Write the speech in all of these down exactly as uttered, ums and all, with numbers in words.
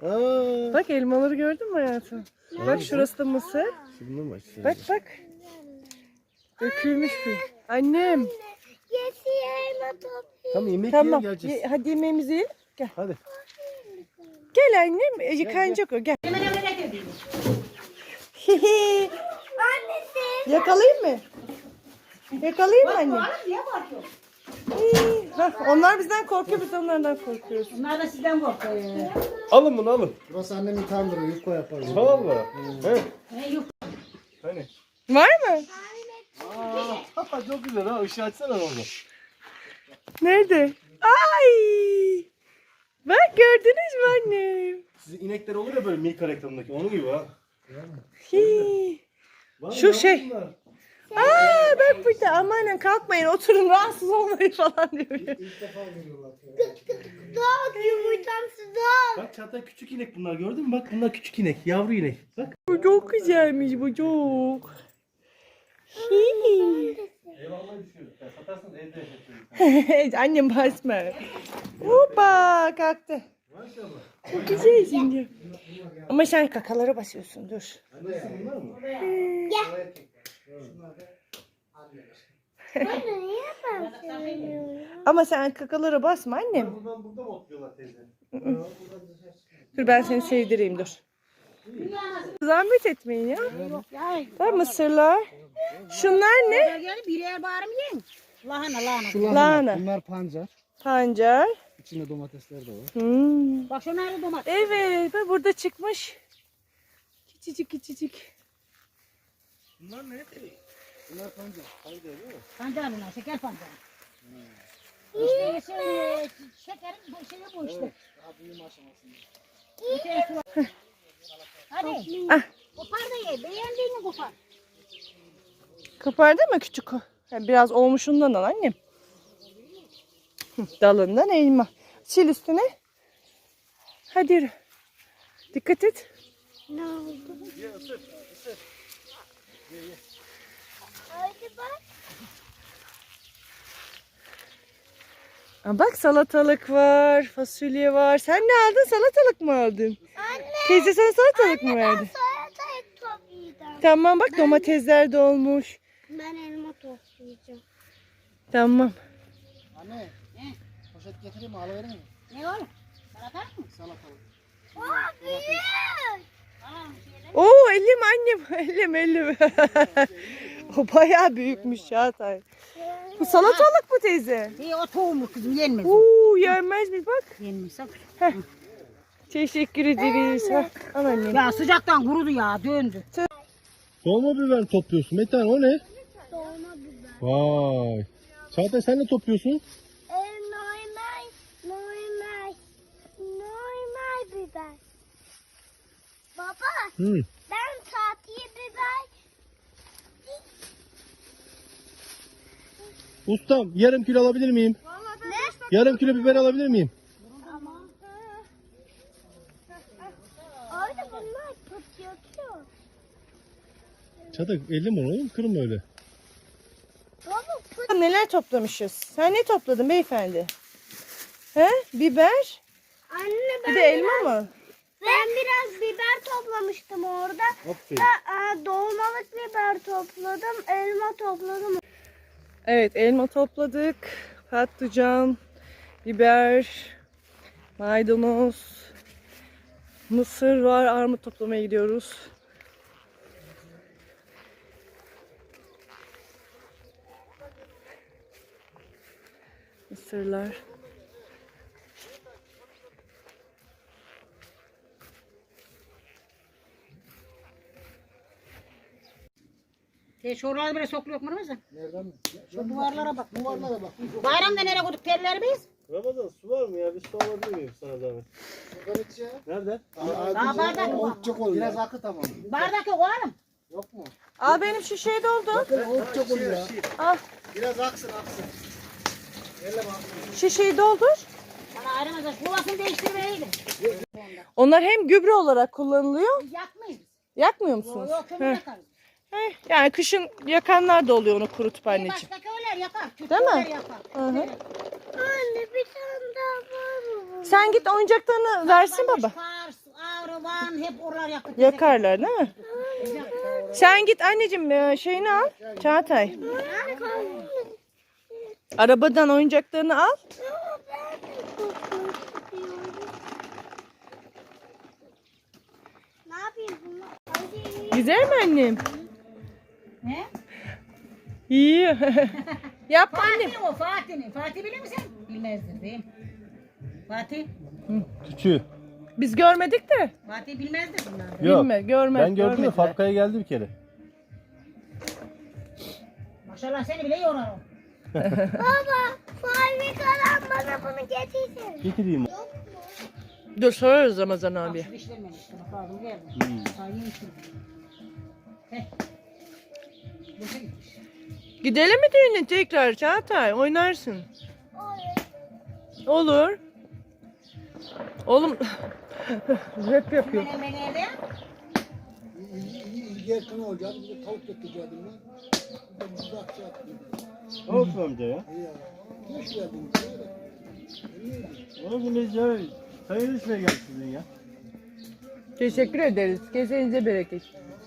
Aa. Bak elmaları gördün mü hayatım? Aa. Bak şurası da mısır. Şundan mı açsın? Bak bak. Dökülmüş bir. Annem. Yesi elma topluyor. Tamam yemek Tamam. yiyelim geleceğiz. Ye- hadi yemeğimizi yiyelim. Gel. Hadi. Gel annem. E, Yıkanacak o. Gel. Annesi. Yakalayayım mı? Yakalayayım mı anne? Hah, onlar bizden korkuyor, biz de onlardan korkuyoruz. Bunlar da sizden korkuyor. Alın bunu alın. Burası annemin tandırı, yufka yaparız. Tamam mı? He. He yok. Hani? Var mı? Aa, çok güzel ha. Işığı açsana orada. Nerede? Ay! Bak gördünüz mü annem? Sizin inekler olur ya böyle Milka reklamındaki. Onun gibi ha. Hii. Var Şu ya şey. bunlar. Aa bak burada amanın kalkmayın oturun rahatsız olmayın falan diyor. İlk defa görüyorlar. Doğ yumurtamsı doğ. Bak Çağatay küçük inek bunlar gördün mü? Bak bunlar küçük inek. Yavru inek. Bak. Bu çok güzelmiş bu çok. Hii. Eyvallah düşüyoruz. Satarsın evde yaşatıyoruz. Annem basma. Hoppa kalktı. Maşallah. Çok güzel şimdi. Ama sen kakalara basıyorsun dur. Annesi bunlar mı? Anne niye ben söylüyorum? Ama sen kakalara basma annem. Buradan burada mı otluyorlar teyze? Dur ben seni sevdireyim dur. Zahmet etmeyin ya. Var mısırlar. Şunlar ne? Gelip birer bağırım yiyin. Lahana lahana. Şu lahana. Lahana. Bunlar pancar. Pancar. İçinde domatesler de var. Hmm. Bak şunlar da domates. Evet bak burada çıkmış. Küçücük küçücük. Bunlar ne? Bunlar pancar. Haydi değil mi? Pancar bunlar, şeker pancar. İşte şey, şekerin bu şeyi bu işte. Daha büyüme aşamasında. İçeri su var. Hadi. Ah. Kopar da ye. Beğendiğini kopar. Kopardın mı küçük o? Ha, biraz olmuşundan al annem. Hı, dalından elma. Sil üstüne. Hadi yürü. Dikkat et. Ne oldu? Ye ısır ısır. Hadi bak. Aa, bak salatalık var, fasulye var. Sen ne aldın? Salatalık mı aldın? Anne. Teyze sana salatalık mı verdi? Salatalık toplayacağım. Tamam bak domatesler de olmuş. Ben elma toplayacağım. Tamam. Anne. Poşet getireyim mi? Alıverir mi? Ne oğlum? Salatalık mı? Salatalık. Aa büyük. Tamam şeyler. Oo elim annem. Elim elim. O bayağı büyükmüş Çağatay. Bu salatalık mı teyze? İyi o tohumlu kızım yenmez. o. Oo yenmez mi bak. Yenmez sakın. Teşekkür ederiz. Ha, al annem. Ya sıcaktan kurudu ya döndü. Dolma biber topluyorsun. Metan o ne? Dolma biber. Vay. Çağatay sen ne topluyorsun? E, normal, normal, normal biber. Baba, Hı. ben tatlı biber. Ustam yarım kilo alabilir miyim? Ne? Yarım kilo biber alabilir miyim? Ama. Orada bunlar patlatıyor. Çağatay elli mi oğlum? Kırma öyle. Baba pıt. Neler toplamışız? Sen ne topladın beyefendi? He? Biber? Anne ben Bir de elma biraz, mı? ben biraz biber toplamıştım orada. Aferin. Da, e, dolmalık biber topladım, elma topladım. Evet elma topladık. Patlıcan, biber, maydanoz, mısır var. Armut toplamaya gidiyoruz. Mısırlar. Şey şuraları böyle sokuluyor mu mesela? Nereden mi? Şu duvarlara bak. Duvarlara bak. Bayramda nereye koyduk terleri biz? Ramazan su var mı ya? Bir su alabilir miyim sana zahmet? Şuradan içeceğim. Nerede? Daha bardak mı? Çok oluyor. Biraz akı tamam. Bardak yok oğlum. Yok mu? Al benim şişeye doldu. Bakın o çok oluyor ya. Al Biraz aksın aksın. Elle bak. şişeyi doldur. Bana ayrılmaz. Yuvasını değiştirmeliydim. Onlar hem gübre olarak kullanılıyor. Biz yakmayız. Yakmıyor Yok musunuz? yok kömür Heh. yakarız. Heh, yani kışın yakanlar da oluyor onu kurutup Bir anneciğim. başka köyler yakar. Değil Köyler mi? yakar. Hı hı. Anne bir tane daha var mı? Sen git oyuncaklarını versin baba. Kars, Aman hep oralar yakıp. Yakarlar değil mi? Sen git anneciğim e, şeyini al. Çağatay. Arabadan oyuncaklarını al. Ne yapayım bunu? Hadi. Güzel mi annem? Ne? İyi. Yap annem. Fatih o Fatih'in. Fatih bilir misin? Bilmezdir değil mi? Fatih. Küçüğü. Biz görmedik de. Fatih bilmezdir bunlar. Yok. Bilme, görmez, Ben gördüm de görmediler. fabrikaya geldi bir kere. Maşallah seni bile yorar o. Baba, fabrikadan bana bunu getirsene. Getireyim. Dur sorarız Ramazan abi. Bak dişlermemiş. Bak ağzım geldi. Sağ yemişim. Heh. Boşa gitmiş. Gidelim mi düğüne tekrar Çağatay? Oynarsın. Olur. Oğlum rap yapıyor. Ben ben evde. İlgi yakın olacağız. Bir de tavuk getireceğim ben. Bir de buzda akça attım. Olsun amca ya. İyi ya. Hoş geldin. Olsun biz ya. Hayırlı işine geldi sizin ya. Teşekkür ederiz. Kesenize bereket.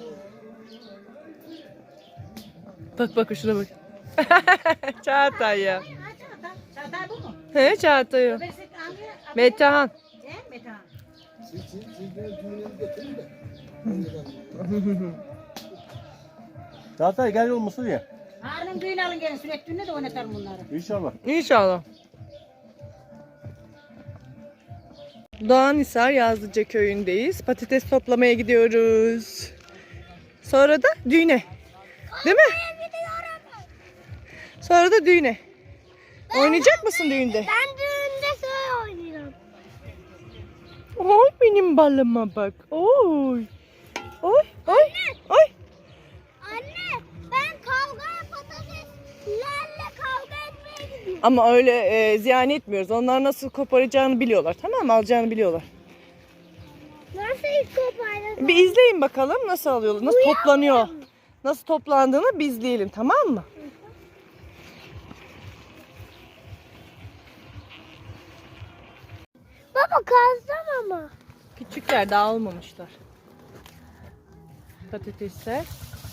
Bak bak şuna bak. Çağatay ya. Ha Çağatay. Çağatay bu mu? He Çağatay o. Öbürsü hangi? Metehan. He Metehan. Siz, siz, siz de düğününü getirin de. Çağatay gel olmasın ya. Harun düğün alın gelin sürekli düğünde de oynatalım bunları. İnşallah. İnşallah. Doğanhisar Yazlıca köyündeyiz. Patates toplamaya gidiyoruz. Sonra da düğüne. Değil mi? Sonra da düğüne. Oynayacak mısın düğünde? Ben düğünde söyle oynayacağım. Oy benim balıma bak. Oy. Oy. Oy. Oy. Anne, ben kavgaya patateslerle kavga etmeye gidiyorum. Ama öyle e, ziyan etmiyoruz. Onlar nasıl koparacağını biliyorlar. Tamam mı? Alacağını biliyorlar. Nasıl ilk kopardım? Bir izleyin bakalım nasıl alıyorlar. Nasıl toplanıyor. Nasıl toplandığını bir izleyelim. Tamam mı? Baba kazdım ama. Küçükler daha almamışlar. Patatesler.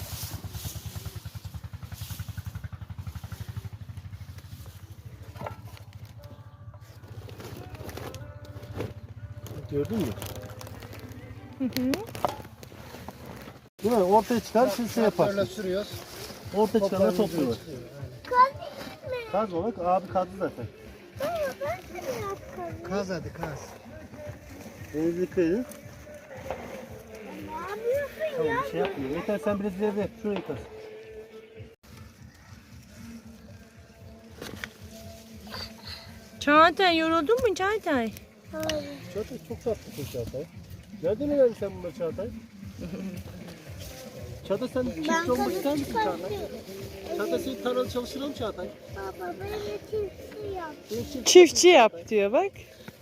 Gördün mü? Hı hı. Değil mi? Ortaya çıkar siz şey Böyle yaparsın. sürüyoruz. Ortaya çıkanlar topluyorlar. Kazayım mı? Kazma bak abi kazdı zaten. Baba ben de biraz kazayım. Kaz hadi kaz. Denizi dikkat edin. Ne yapıyorsun Tamam ya? bir şey yapmıyor. Yeter sen biraz ileride yap. Şurayı kaz. Çağatay yoruldun mu Çağatay? Hayır. Çağatay çok tatlısın Çağatay. Nereden öğrendin sen bunları Çağatay? Çağatay sen çiftçi olmak ister misin Çağatay? Çağatay seni tarlada çalıştıralım Çağatay. Baba beni kimse yap. Seni çiftçi. Çiftçi yap diyor bak.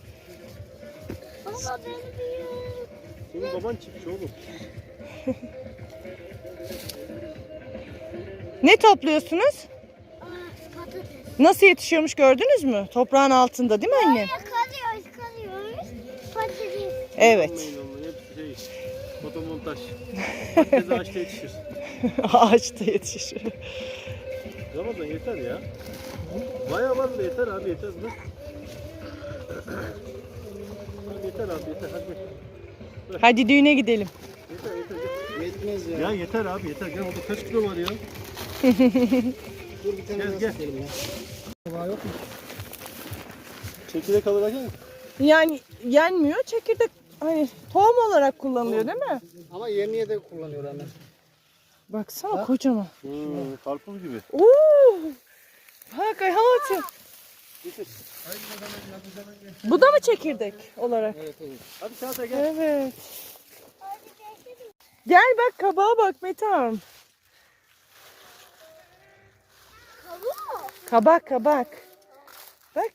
Baba beni bir Senin baban çiftçi oğlum. Ne topluyorsunuz? Aa, patates. Nasıl yetişiyormuş gördünüz mü? Toprağın altında değil mi anne? Böyle kazıyoruz kazıyoruz. Patates. Evet. Onların hepsi şey, fotomontaj. Herkes ağaçta yetişir. Ağaçta yetişir. Ramazan yeter ya. Bayağı var da yeter abi yeter. Dur. Abi yeter abi yeter hadi. Hadi düğüne gidelim. Yeter yeter. yeter. Yetmez ya. Ya yeter abi yeter. Gel orada kaç kilo var ya? Dur bir tane Gel, daha gel. sıkalım ya. Var yok mu? Çekirdek alır mı? Yani yenmiyor. Çekirdek hani tohum olarak kullanılıyor değil mi? Ama yerniye de kullanıyor anne. Baksana kocaman. Hmm, karpuz gibi. Oo! Bak ay hayatım. Getir. Bu da mı çekirdek olarak? Evet evet. Hadi Çağatay gel. Evet. Gel bak kabağa bak Metehan. Kabuğu. Kabak kabak. Bak.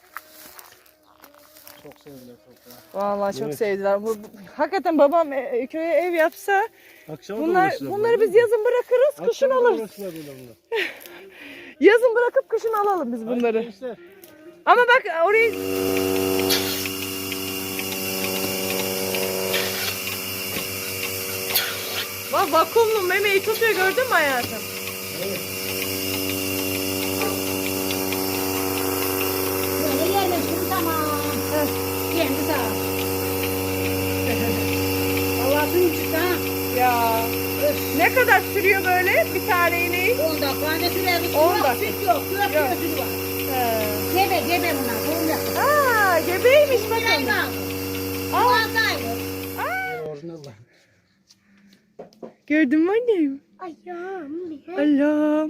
Çok sevdiler toprağı. Vallahi çok Evet. sevdiler. Bu, bu- hakikaten babam e, köye ev yapsa Akşama da bunlar uğraşırlar bunları bunlar, biz değil mi? yazın bırakırız, kışın Akşama da alırız. uğraşırlar bunlar. Yazın bırakıp kışın alalım biz Hadi bunları. gençler. Ama bak orayı Aa vakumlu memeyi tutuyor gördün mü hayatım? Böyle yerleştim tamam. Heh. Kendi sağ ol. Allah'ın çıktı ha. Ya. Ne kadar sürüyor böyle bir tane ineği? on dakika anne süremiz. on Yok, dakika. süt yok. Süt Yok. gözü var. He. Gebe gebe bunlar. Doğum yaptı. Aa gebeymiş Bir ay bakın. kaldı. Aa. Altı aylık. Orijinal var. Gördün mü annem? Ayağım. Allah'ım.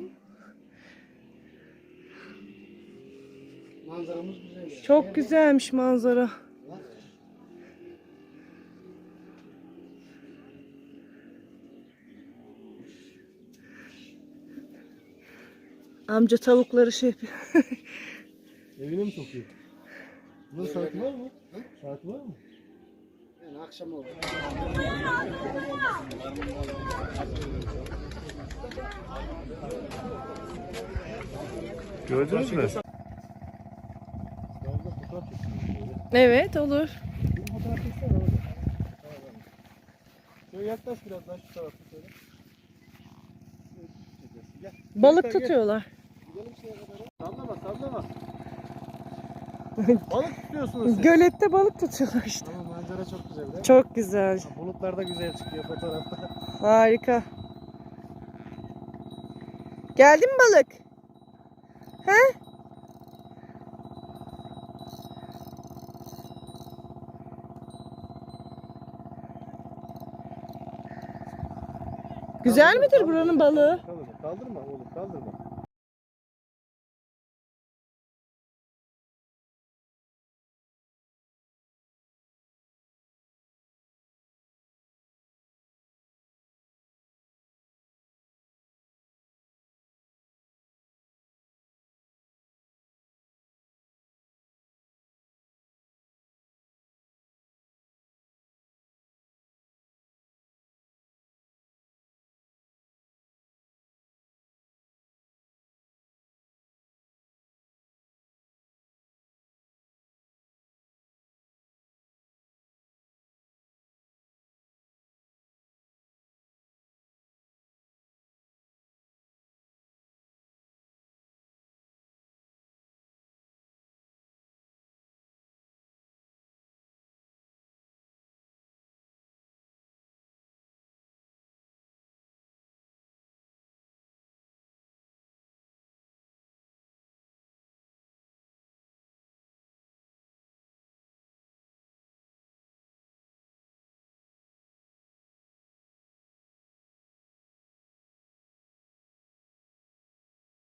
Manzaramız güzel ya. Çok güzelmiş manzara. Amca tavukları şey yapıyor. Evine mi sokuyor? Bunun saati var mı? Saati var mı? Yani akşam oldu. Gördünüz mü? Evet olur. Şöyle yaklaş biraz daha şu tarafa şöyle. Gel. Balık Gel, gel. tutuyorlar. Gidelim şeye kadar. Sallama sallama. Balık tutuyorsunuz siz. Gölette balık tutuyorlar işte. Ama manzara çok güzel değil mi? Çok güzel. Bulutlar da güzel çıkıyor fotoğrafta. Harika. Geldi mi balık? He? Güzel midir buranın balığı?